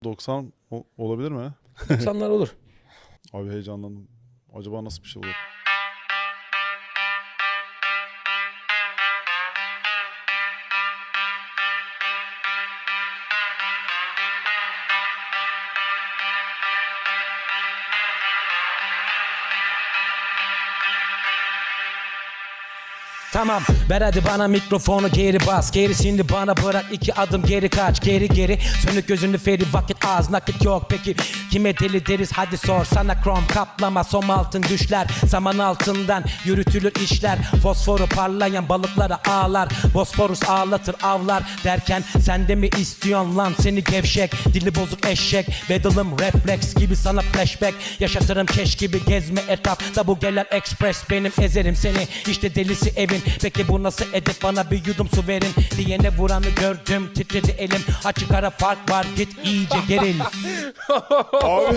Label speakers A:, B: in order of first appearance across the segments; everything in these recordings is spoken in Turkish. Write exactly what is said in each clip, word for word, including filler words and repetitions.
A: doksan o- olabilir mi?
B: doksanlar olur.
A: Abi heyecanlandım. Acaba nasıl bir şey olur?
B: Tamam ver hadi bana mikrofonu geri bas. Gerisini bana bırak, iki adım geri kaç. Geri geri sönük gözünü feri, vakit az nakit yok. Peki kime deli deriz hadi sor. Sana krom kaplama som altın düşler. Saman altından yürütülür işler. Fosforu parlayan balıklara ağlar. Bosforus ağlatır avlar derken sen de mi istiyorsun lan seni gevşek. Dili bozuk eşek bedalım refleks gibi sana flashback. Yaşatırım keş gibi gezme etrafta bu gelen express. Benim ezerim seni işte delisi evin. Peki bu nasıl edip bana bir yudum su verin diyene vuranı gördüm titredi elim. Açık ara fark var git iyice geril.
A: Abi.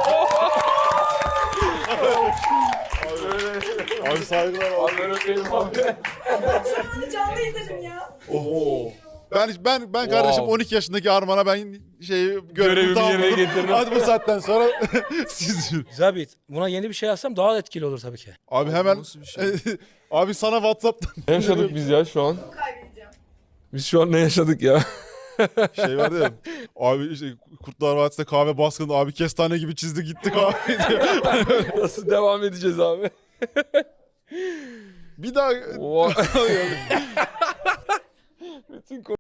A: Abi saygılar abi.
C: Canlı canlı izledim ya.
A: Oho. Ben ben ben kardeşim on iki yaşındaki Arman'a ben şey görevimi
D: Görevimi yerine
A: tamamladım.
D: getirdim.
A: Hadi bu saatten sonra siz yürü.
B: Güzel bir buna yeni bir şey yazsam daha etkili olur tabii ki.
A: Abi hemen abi sana WhatsApp'tan
D: Ne yaşadık biz ya şu an?
C: Kaybedeceğim.
D: Biz şu an ne yaşadık ya?
A: şey vardı ya. Abi işte Kurtlar Vadisi'nde kahve baskını abi kestane gibi çizdi gitti kahve diyor.
D: Nasıl devam edeceğiz abi?
A: Bir daha
D: Oha. Bütün